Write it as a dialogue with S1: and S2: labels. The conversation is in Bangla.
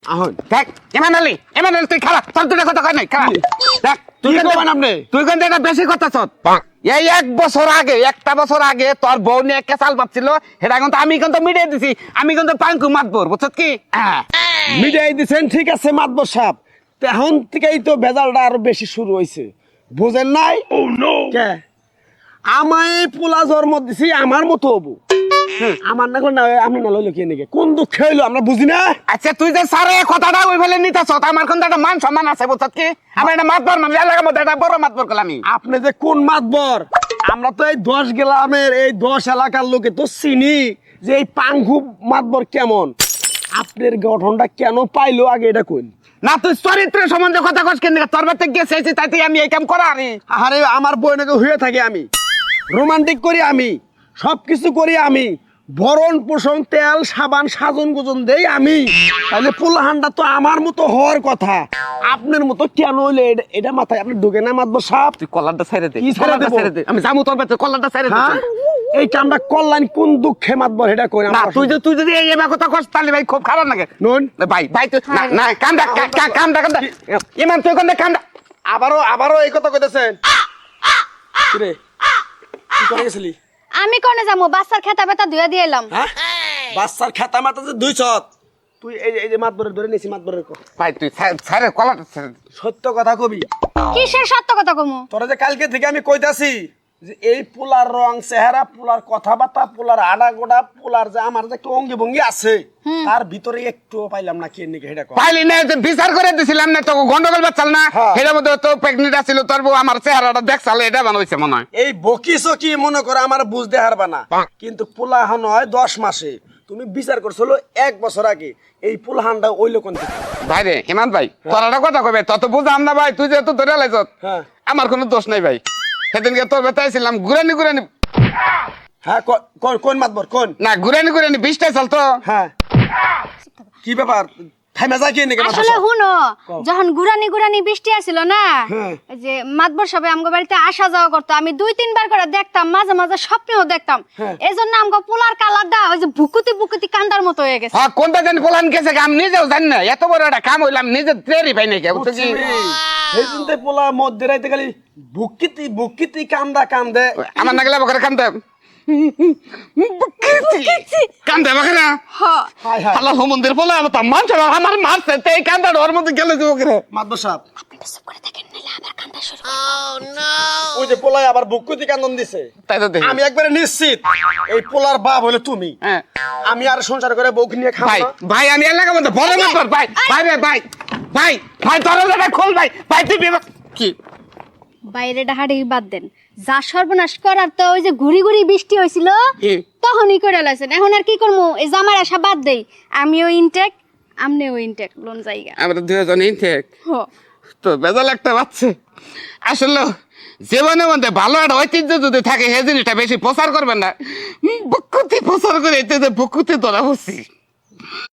S1: আহন
S2: দেখ ইমানালি তুই খালা তোর দুটো কথা কয় নাই খালা দেখ তুই
S1: করবেন আপনি?
S2: তুই কিন্তু এটা বেশি কথা চত এই একটা বছর আগে তোর বউ নিয়ে একটা চাল পাচ্ছিল সেটা কিন্তু আমি কিন্তু মিডিয়ে দিছি আমি কিন্তু পাঙ্কু মাতবর বুঝছত কি
S1: মিডিয়ায় দিছেন ঠিক আছে মাতবর সাহেব এখন থেকেই তো ভেজালটা আরো বেশি শুরু হয়েছে বুঝেন নাই কে আমায় পোলা জন্ম দিছি আমার মতো হবো আমার না করে না আমি না লইলো কে নাকি কোন দুঃখ হইলো আমরা বুঝি না
S2: আচ্ছা তুই যে সারে কথাটা ওই ফেলে নিতেছ আমার কিন্তু একটা মান সম্মান আছে বুঝছত কি আমি একটা মাতবর মানে এলাকার মধ্যে একটা বড় মাতবর করলাম আমি
S1: আপনি যে কোন মাতবর আমরা তো এই 10 গ্রামের এই 10 এলাকার লোকে তো চিনি যে এই পাঙ্গু মাতবর কেমন আপনার গঠনটা কেন পাইলো আগে এটা কোন
S2: না তুই চরিত্রের সম্বন্ধে কথা কস কেন তোর বাড়িতে গেছে তাইতে আমি এই কাম করা আরে
S1: আরে আমার বইনাকে হয়ে থাকে আমি রোমান্টিক করি আমি সবকিছু করি আমি ভরণ পোষণ তেল সাবান সাজন গোজন দেই আমি তাহলে পোলাহানটা তো আমার মতো হওয়ার কথা আপনার মতো কেন হইলে এটা মাথায় আপনি ঢুকে না মাতবর সাহেব
S2: তুই কলারটা ছেড়ে দে
S1: কি ছেড়ে দেব?
S2: আমি যাবো তোর বাড়িতে কলারটা ছেড়ে দে
S1: হ্যাঁ এই কামটা করলেন কোন দুঃখে মাতবর এটা কই
S2: না তুই যদি এই এবার কথা কস তাহলে ভাই খুব খারাপ লাগে
S1: নুন
S2: ভাই তুই না কান্দা ইমান তুই কোন কান্দা
S1: আবারও এই কথা কইতেছেন কিরে কি করে গেছিলি
S3: আমি কোনে যাবো বাচ্চার খেতা বেতা ধুয়ে দিয়ে এলাম
S1: হ্যাঁ বাচ্চার খাতা মাথা যে দুই ছত তুই এই যে মাতবরের ধরে নিছি মাতবরের কথা
S2: ভাই তুই ছেড়ে কলারটা ছেড়ে দে
S1: সত্য কথা কবি
S3: কিসের সত্য কথা কমু
S1: তোরা যে কালকে থেকে আমি কইতাছি যে এই পোলার রং চেহারা পোলার কথাবার্তা পোলার আডা গোডা পোলার যে আমার যে একটা অঙ্গি ভঙ্গি আছে তার ভিতরে একটুও পাইলাম না কে নাকি এটা
S2: পাইলি না যে বিচার করে দিছিলাম না তো গন্ডগোল বাচ্চাল না
S1: হ্যাঁ।
S2: এটার মধ্যে তো প্রেগনেন্ট আছিল তোর বউ আমার চেহারাটা দেখছাল এটা বানাইছে মনে হয়
S1: এই বকিছো কি মনে করে আমার বুঝতে হারবা না কিন্তু পোলাহান হয় 10 মাসে তুমি বিচার করছিল 1 বছর আগে এই পোলাহানটা ওইলো কোন থেকে
S2: ভাই রে হিমান ভাই তোর একটা কথা কবে তত বুঝাম না ভাই তুই যেহেতু ধরে লাইছ
S1: হ্যাঁ
S2: আমার কোনো দোষ নাই ভাই সেদিনকে তোর বেতাইছিলাম ঘুরানি
S1: হ্যাঁ কোন মাতবর কোন
S2: না ঘুরানি 20টাই চাল তো
S1: হ্যাঁ কি ব্যাপার থাইমা যায় কি নাকি
S3: আসলে হুনো যখন গুরানি বৃষ্টি আসিল না
S1: হ্যাঁ।
S3: এই যে মাতবর সবে আমগো বাড়িতে আসা যাওয়া করতো আমি 2-3 বার করে দেখতাম মাঝে মাঝে স্বপ্নেও দেখতাম
S1: হ্যাঁ।
S3: এজন্য আমগো পোলার কালারটা ওই যে ভুকুতি কান্দার মতো হয়ে গেছে
S2: হ্যাঁ কোনটা জানি পোলান গেছে আমি নিজেও জানি না এত বড় একটা কাম হইলাম নিজে তৈরি পাই নাকি বুঝছো কি
S1: এই চিন্তা পোলা মধ্যে রাইতে খালি বুকিতি কান্দে
S2: আমার নাগলা বকরে কান্দে কান্দে বকরে
S3: হ্যাঁ
S1: হাই হাই
S2: আল্লাহ মন্দির পোলা আমার আমার মারছে এই কান্দা ওর মধ্যে গেলে যে বকরে
S1: মাতবর সাহেব
S3: আপনি তো চুপ করে থাকেন নালে আবার কান্দা শুরু
S1: ওই যে পোলাই আবার বুকুতি কান্দন দিছে
S2: তাই তো দেখি
S1: আমি একবারে নিশ্চিত এই পোলার বাপ হলো তুমি
S2: হ্যাঁ
S1: আমি আর সংসার করে বউকে নিয়ে খাবো
S2: ভাই
S1: না
S2: ভাই আমি এলাকার মধ্যে বড় মাতবর ভাই দরজাটা খোল ভাই তুই কি
S3: বাইরে ডাহাড়ি বাদ দেন যা সর্বনাশ করার তো ওই যে ঘুরি বৃষ্টি হয়েছিল
S2: কি?
S3: তখনই করে লাইছেন এখন আর কি করবো এই জামার আশা বাদ দেই আমিও ইনটেক আমনেও ইনটেক লোন জায়গা
S2: আমরা দুজন ইনটেক
S3: হো
S2: তো বেজাল একটা বাচ্চা আসলে জীবনের মধ্যে ভালো একটা ঐতিহ্য যদি থাকে সেই জিনিসটা বেশি প্রচার করবেন না বকুতি প্রচার করে এতে বকুতি ধরা হচ্ছি